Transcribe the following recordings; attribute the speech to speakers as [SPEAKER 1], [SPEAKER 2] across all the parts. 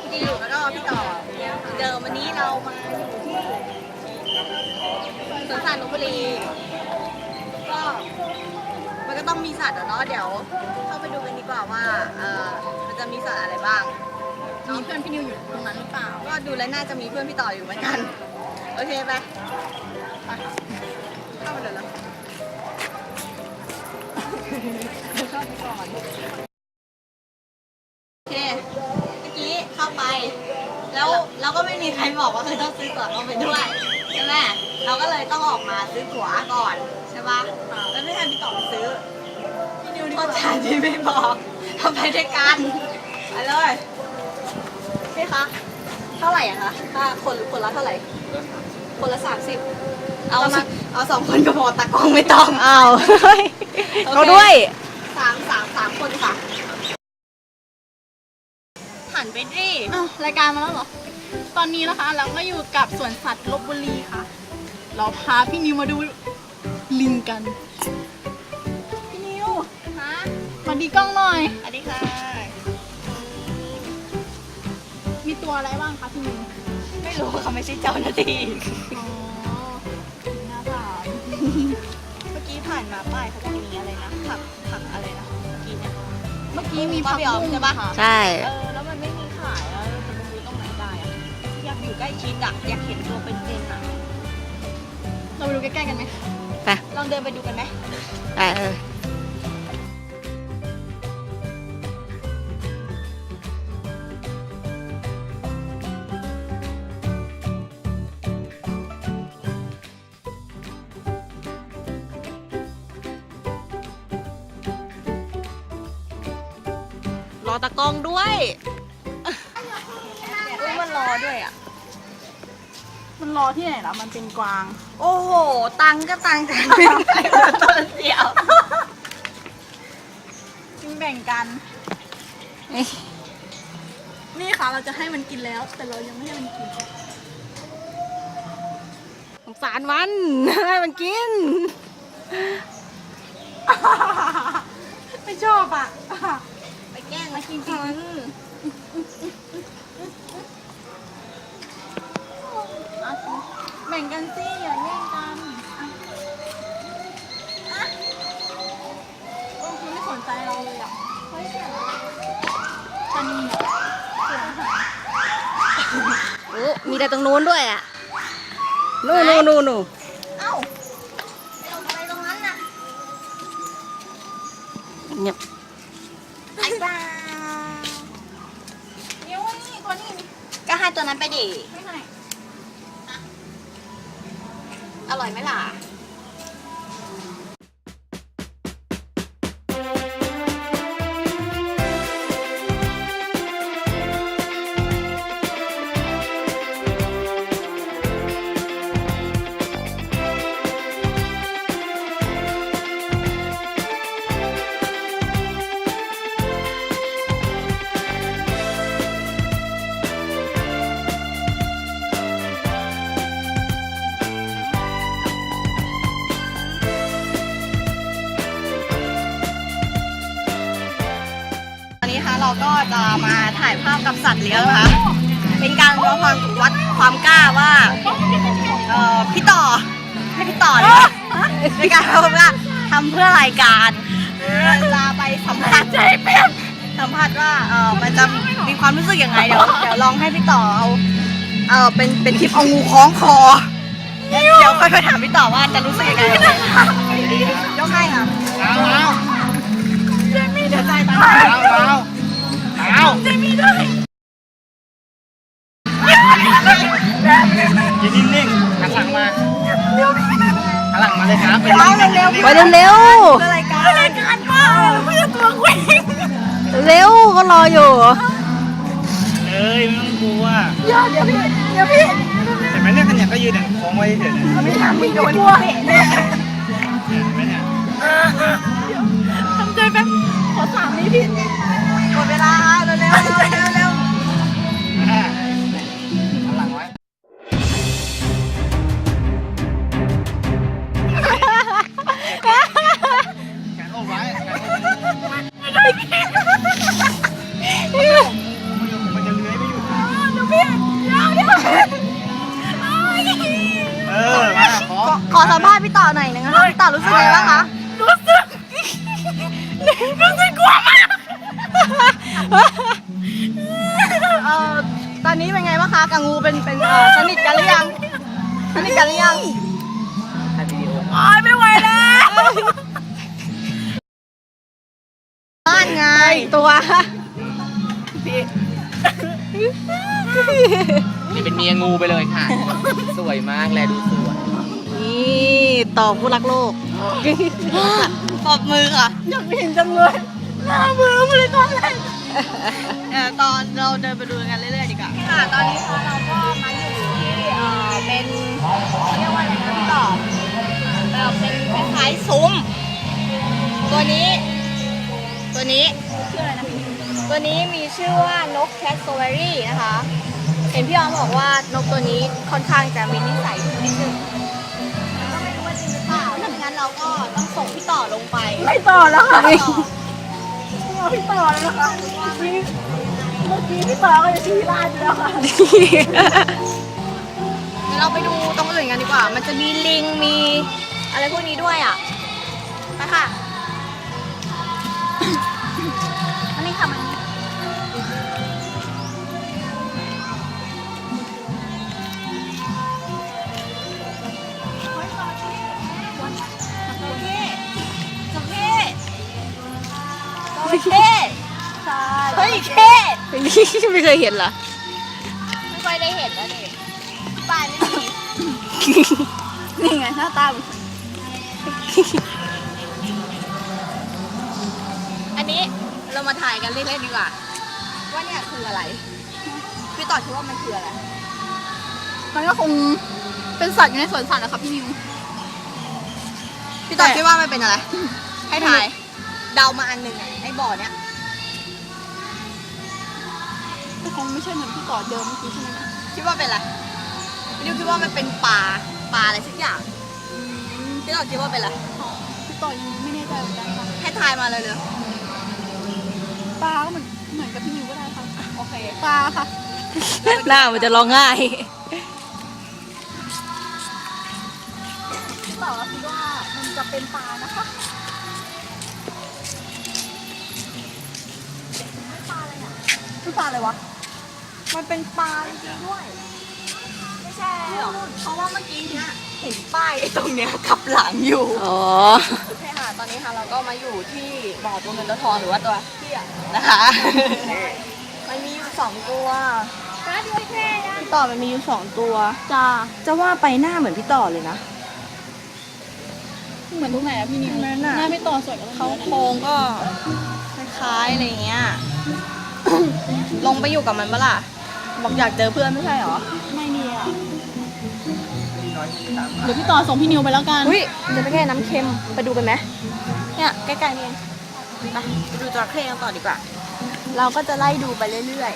[SPEAKER 1] จิวแล้วก็พี่ต่อเดิมวันนี้เรามาอยู่ที่สวนสัตว์ลพบุรีก็มันก็ต้องมีสัตว์เนาะเดี๋ยวเข้าไปดูกันดีกว่าว่ามันจะมีสัตว์อะไรบ้าง
[SPEAKER 2] มีเพื่อนพี่นิวอยู่ตรงนั้นหรือเปล่า
[SPEAKER 1] ก็ดูแล้วน่าจะมีเพื่อนพี่ต่ออยู่เหมือนกันโอเคไปเข้ามาเดี๋ยวแล้วเข้าไปก่อนโอเคเมื่อกี้เข้าไปแล้วเราก็ไม่มีใครบอกว่าต้องซื้อตั๋วเข้าไปด้วยใช่ไหมเราก็เลยต้องออกมาซื้อตั๋วก่อนใช่ปะแล้วไม่ทันพี่ต่อไปซื้อพี่นิวโทษฐานที่ไม่บอกทำไปด้วยกันไปเลยพี่คะเท่าไหร่อะคะถ้าคนละเท่าไหร่คนละ30เอา2 คนก็พอตากล้องไม่ต้อง
[SPEAKER 2] เอาเขาด้วย
[SPEAKER 1] 3คนค่ะหันไปดิ
[SPEAKER 2] รายการมาแล้วเหรอตอนนี้นะคะเราก็อยู่กับสวนสัตว์ลพบุรีค่ะเราพาพี่นิวมาดูลิงกันพี่นิว
[SPEAKER 1] ฮะ
[SPEAKER 2] สวัสดีกล้องหน่อย
[SPEAKER 1] สวัสดีค่ะ
[SPEAKER 2] มีตัวอะไรบ้างคะพี่นิว
[SPEAKER 1] ไม่รู้เขาไม่ใช่เจ้าหน้าที่
[SPEAKER 2] อ๋อน่าถาม
[SPEAKER 1] เมื่อกี้ผ่านมาป้ายเขาจะมีอะไรนะผักอะไรนะเมื่อกี้มี
[SPEAKER 2] ผัก
[SPEAKER 1] บุ้งใช่ปะ
[SPEAKER 2] ใช่
[SPEAKER 1] แล้วมันไม่มีขายแล้วจะไปซื้อตรงไหนได้อะอยากอยู่ใกล้ชิดอะอยากเห็นตัวเป็นๆอะ
[SPEAKER 2] เราไปดูใกล้ๆกันไหม
[SPEAKER 1] ไปลองเดินไปดูกันไหมรอตะกองด้วยมันรอด้วยอ่ะ
[SPEAKER 2] มันรอที่ไหนล่ะมันเป็นกวาง
[SPEAKER 1] โอ้โหตังก็ตังแต่ไม่ไปตัวเดียว
[SPEAKER 2] กินแบ่งกันนี่ค่ะเราจะให้มันกินแล้วแต่เรายังไม่ให้มันกิน
[SPEAKER 1] สงสารมันให้มันกิน
[SPEAKER 2] ไม่ชอบอ่ะ
[SPEAKER 1] ไปแกล้งมากิน
[SPEAKER 2] แบ่งกันสิอย่าแย่งกันคุณไม่สนใจเราเลยอ่ะเฮ้ยเสียงชะนีเสียงหาย
[SPEAKER 1] โอ้มีแต่ตรงนู้นด้วยอ่ะนู่นเอ้าลงไปตรงนั้นน่ะเงียบไอ้บ้า
[SPEAKER 2] เดี๋ยวนี่ตัวนี้
[SPEAKER 1] ก็ให้ตัวนั้นไปดิ
[SPEAKER 2] ไม่ให้
[SPEAKER 1] อร่อยไหมล่ะเราก็จะมาถ่ายภาพกับสัตว์เลี้ยงนะคะเป็นการวัดความกล้าว่าพี่ต่อให้พี่ต่อเลยในการทำเพื่อรายการจะไปสัมภาษณ์ใจเป็นสัมภาษณ์ว่ามันจะมีความรู้สึกยังไงเดี๋ยวลองให้พี่ต่อเอาเป็นคลิปเอางูคล้องคอเดี๋ยวค่อยไปถามพี่ต่อว่าจะรู้สึกยังไงยกให้ค่ะเจมี่เดี๋ยวใจตายเจมี่ด้วย
[SPEAKER 3] ยืนนิ่งๆหันหลังมาหันหลังมาเลยครับไป
[SPEAKER 1] เร็ว
[SPEAKER 2] ไปเร็ว
[SPEAKER 1] รายการป้าเพื่อตัวคุย
[SPEAKER 2] เร็วก็รออยู่
[SPEAKER 3] เอ้ยไม่ต้องกลัว
[SPEAKER 1] เดี๋ยวพี่
[SPEAKER 3] แต่แม่เนี่ยขยันก็ยืนของไว้เฉย
[SPEAKER 1] ไม่ทำไม่โดนกลัวเห็น
[SPEAKER 3] แม่เนี่ย
[SPEAKER 2] ทำใจแป๊บขอ3 นิดพี่
[SPEAKER 1] หมดเวลาเร็ว
[SPEAKER 3] หันหลังไว้แขนอกไว้มันจะเลื้อยไปอยู่
[SPEAKER 1] สัมภาษณ์พี่ต่อหน่อยนึงนะคะพี่ต่อรู้สึกไงบ้างคะ
[SPEAKER 2] รู้สึกกลัวมาก
[SPEAKER 1] ตอนนี้เป็นไงบ้างคะกับงูเป็นสนิทกันหรือยังสนิทกันหรือยัง
[SPEAKER 3] ถ่ายวิดีโอ
[SPEAKER 2] โอ๊ยไม่ไหวแล้ว
[SPEAKER 1] บ้านไงตัว
[SPEAKER 3] นี่เป็นเมียงูไปเลยค่ะ สวยมากแลดูสวย
[SPEAKER 1] นี่ต่อผู้รักโลกปรบมือค่ะ
[SPEAKER 2] อยากเห็นจังเลยหน้ามือมาเลยตอนแรก
[SPEAKER 1] ตอนเราเดินไปดูกันเรื่อยๆดีกว่าค่ะตอนนี้ค่ะเราก็มาอยู่ที่เป็นเรียกว่าอะไรนะพี่ต่อเป็นคล้ายๆซุ้มตัวนี้ชื่ออะไรนะตัวนี้มีชื่อว่านกแคสโซเวอรี่นะคะ เห็นพี่ออมบอกว่านกตัวนี้ค่อนข้างจะมีนิสัยดุนิดนึงก็ไม่รู้ว่าจริงหรือเปล่าถ้าอย่างนั้นเราก็ต้องส่งพี่ต่อลงไป
[SPEAKER 2] ไม่ต่อแล้วค่ะ
[SPEAKER 1] พี่ต่อ
[SPEAKER 2] เอาพี่ต่อเลยนะคะเมื่อกี้พี่ต่อก็จะชี้ลาดอยู่แล้วค่ะ
[SPEAKER 1] เดี๋ยวเราไปดูตรงอื่นกันดีกว่า มันจะมีลิง มีอะไรพวกนี้ด้วยอ่ะ ไปค่ะ อันนี้ค่ะมันเฮ้ยเท่ไม่เคยเห็นเหรอ ไม่ค่อยได้เห็นแล้วดิที่บ้านไม่มี
[SPEAKER 2] นี่ไงหน้าตา
[SPEAKER 1] อันนี้เรามาถ่ายกันเล่นๆดีกว่า ว่าเนี่ยคืออะไร พี่ต่อคิดว่ามันคืออะไร
[SPEAKER 2] มันก็คงเป็นสัตว์อยู่ในสวนสัตว์นะคะพี่นิว
[SPEAKER 1] พี่ต่อคิดว่ามันเป็นอะไร ให้ถ่าย เดามาอันหนึ่งอะไอ้บ่อเนี้ย
[SPEAKER 2] ก็คงไม่ใช่เหมือนพี่ต่อเดิมเมื่อกี้ใช่ไหมคะ
[SPEAKER 1] คิดว่าเป็นอะไรพี่ดิวคิดว่ามันเป็นปลาอะไรสักอย่างพี่ต่อคิดว่าเป็นอะไร
[SPEAKER 2] พี่ต่อยังไม่แน่ใจเหมือนกันค่ะ
[SPEAKER 1] ให้ถ่ายมาเลยเลย
[SPEAKER 2] ปลาก็เหมือนกับพี่นิวก็ได้ค่ะ
[SPEAKER 1] โอเค
[SPEAKER 2] ปลาค่ะ
[SPEAKER 1] หน้ามันจะร้องง่าย
[SPEAKER 2] พี่ต่อคิดว่ามันจะเป็นปลานะคะคือปลาอะไรวะ
[SPEAKER 1] มันเป็นปลาจริงๆด้วย ไม่ใช่หรอกเพราะว่าเมื่อกี้เนี้ยเห็นป้ายไอ้ตรงเนี้ยขับหลังอยู่
[SPEAKER 4] อ๋อ
[SPEAKER 1] โอเคค่ะ ตอนนี้ค่ะเราก็มาอยู่ที่บ่อตัวเงินตัวทองหรือว่าตัวเที่ยนะคะ มันมีอยู่2ตัวพี่ต่อมันมีอยู่2ตัว
[SPEAKER 2] จ้า
[SPEAKER 1] จะว่าไปหน้าเหมือนพี่ต่อเลยนะ
[SPEAKER 2] เหมือนตรงไหนอะพี่นิว
[SPEAKER 1] นั่นน่ะ
[SPEAKER 2] หน้าพี่ต่อสวยกว่าตรง
[SPEAKER 1] เขา
[SPEAKER 2] นี้
[SPEAKER 1] โครงก็คล้ายๆอะไรเงี้ย ลงไปอยู่กับมันปะล่ะ บอกอยากเจอเพื่อนไม่ใช่หรอ
[SPEAKER 2] ไม่ดีอะเดี๋ยวพี่ต่อส่งพี่นิวไปแล้วกัน
[SPEAKER 1] อุ้ยจระเข้น้ำเค็มไปดูกันไหมเนี่ยใกล้ๆนี่เองไปดูจระเข้กันต่อดีกว่า เราก็จะไล่ดูไปเรื่อย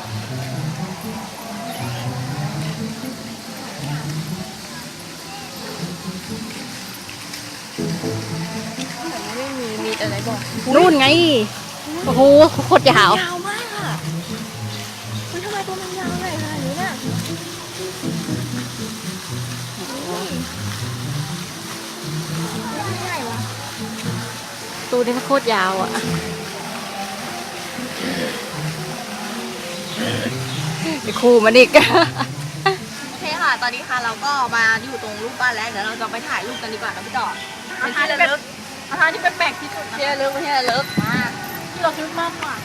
[SPEAKER 1] ๆไม่มีแต่ไหนบอก
[SPEAKER 4] นู่นไง โอ้โหโคตรยาว
[SPEAKER 1] ยาวมากอ่ะมันทำไมตัวมันยาวเลยขนาดนี้น่ะใหญ่วะ
[SPEAKER 4] ตูนี่มันโคตรยาวอ่ะไอ้คู่มันอีก
[SPEAKER 1] โอเคค่ะ ตอนนี้ค่ะเราก็มาอยู่ตรงรูปบ้านแล้ว เดี๋ยวเราจะไปถ่ายรูปกันดีกว่านะพี่ต่อเป็นที่ระลึก
[SPEAKER 2] อาหารที่แปลกๆที่สุดนะ
[SPEAKER 1] ที่ระลึกเป็นที่ระลึกมา
[SPEAKER 2] ที่เราคิดมากกว่า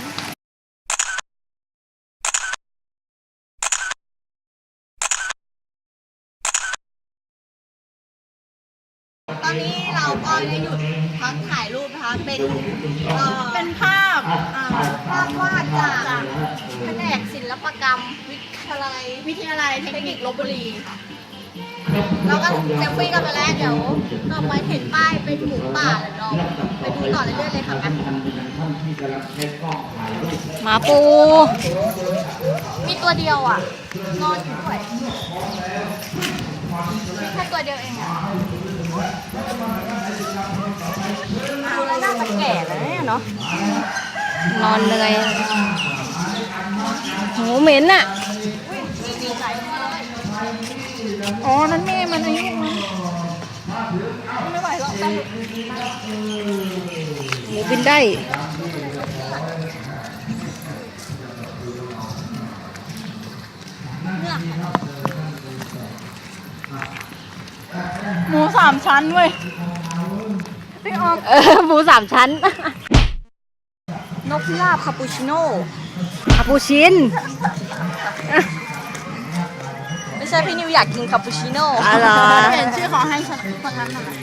[SPEAKER 1] ตอนนี้เราก็ได้หยุดพักถ่ายรูปนะคะ เป็นภาพภาพวาดจากแผนกศิลปกรรมวิทยาลัยเทคนิคลพบุรีค่ะเราก็เซลฟี่กันไปแล้วเดี๋ยวต่อไปเห็นป้ายเป็นหมูป่าแล้วเราไปดูต่อเรื่อยๆเลยค่ะกัน
[SPEAKER 4] หมาปู
[SPEAKER 1] มีตัวเดียวอ่ะ นอนอยู่ด้วยมีแค่ตัวเดียวเองอ่ะดูแล้วน่าจะแก่แล้วเนี่ยเนาะ
[SPEAKER 4] นอนเลยโหเหม็นอ่ะ
[SPEAKER 1] มีหลายตัวเลย
[SPEAKER 2] อ๋อ นั่นแม่มันอายุมันไม่ไหวหรอกต้อง
[SPEAKER 4] หมูบินได้
[SPEAKER 2] หมูสามชั้นเว้ยพี่ออก
[SPEAKER 4] หมูสามชั้น
[SPEAKER 1] นกพิราบคาปูชิโน่
[SPEAKER 4] คาปูชิน
[SPEAKER 1] ไม่ใช่พี่นิวอยากกินคาปูชิโน่
[SPEAKER 4] อะไรอ
[SPEAKER 2] เปลี่ยนชื่อขอให้ฉันคนนั้นหน่อย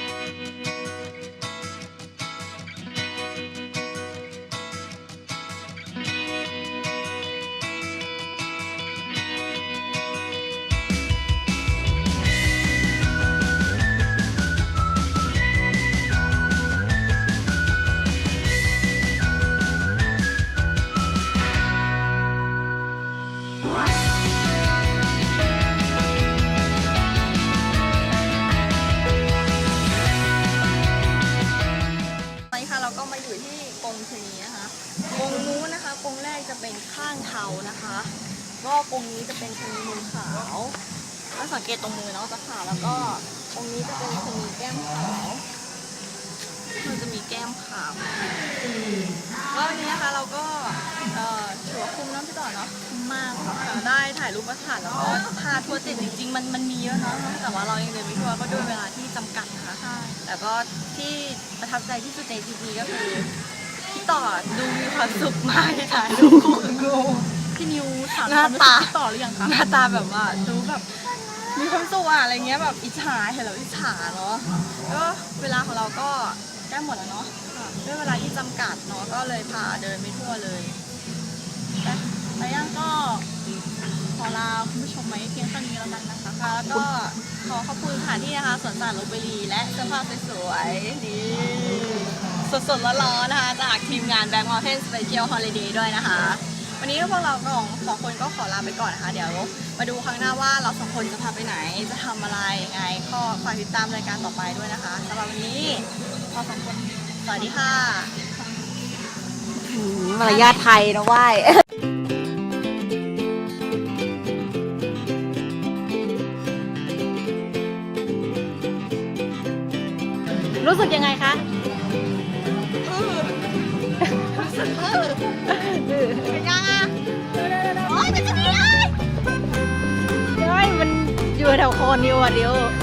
[SPEAKER 1] ตอนนี้ค่ะเราก็มาอยู่ที่กรงชะนีนะคะกรงนู้นนะคะกรงแรกจะเป็นข้างเทานะคะก็กรงนี้จะเป็นชะนีมือขาวถ้าสังเกตตรงมือเนาะจะขาวแล้วก็ตรงนี้จะเป็นชะนีแก้มขาวมันจะมีแก้มขาวก็วันนี้นะคะเราก็ถือว่าคุ้มเน้ำพี่ต่อเนาะคุ้มมากค่ะได้ถ่ายรูปประถ่านแล้วก็พาทัวร์ติดจริงๆมันมีเยอะเนาะแต่ว่าเรายังเดินไม่ทั่วก็ด้วยเวลาที่จำกัดนะคะ แต่ก็ที่ประทับใจที่สุดในทีก็คือพี่ต่อดูมีความสุขมากที่ถ่ายรูปคู่กับงู
[SPEAKER 2] พี่นิวถาม
[SPEAKER 1] หน้าตา
[SPEAKER 2] ความรู้สึกพี่ต่อหรือยังคะ
[SPEAKER 1] หน้าตาแบบว่าดูแบบมีความสุขอะอะไรเงี้ยแบบอิจฉาเห็นแล้วอิจฉาเนาะก็เวลาของเราก็ใกล้หมดแล้วเนาะด้วยเวลาที่จำกัดเนาะก็เลยพาเดินไม่ทั่วเลยแต่ยังก็
[SPEAKER 2] ขอลาคุณผู้ชมไว้เพียงเท่านี้แล้วกันนะคะ
[SPEAKER 1] ค่ะแล้วก็ขอขอบคุณสถานที่นะคะสวนสัตว์ลพบุรีและเสื้อผ้าสวยๆนี่สดๆร้อนๆนะคะจากทีมงาน Black Mountain Special Holiday ด้วยนะคะ วันนี้พวกเราสองคนก็ขอลาไปก่อนนะคะ เดี๋ยวมาดูครั้งหน้าว่าเราสองคนจะพาไปไหนจะทำอะไรยังไงก็ฝากติดตามรายการต่อไปด้วยนะคะสำหรับวันนี้เราสองคนสวัสดีค่ะ
[SPEAKER 4] มารยาทไทยนะว่าย รู้สึกยังไงคะ
[SPEAKER 1] เป็นยังอ่ะโอ๊ยจะมีเลย
[SPEAKER 4] เฮ้ยมันอยู่แถวโคนนิวอ่ะเดียว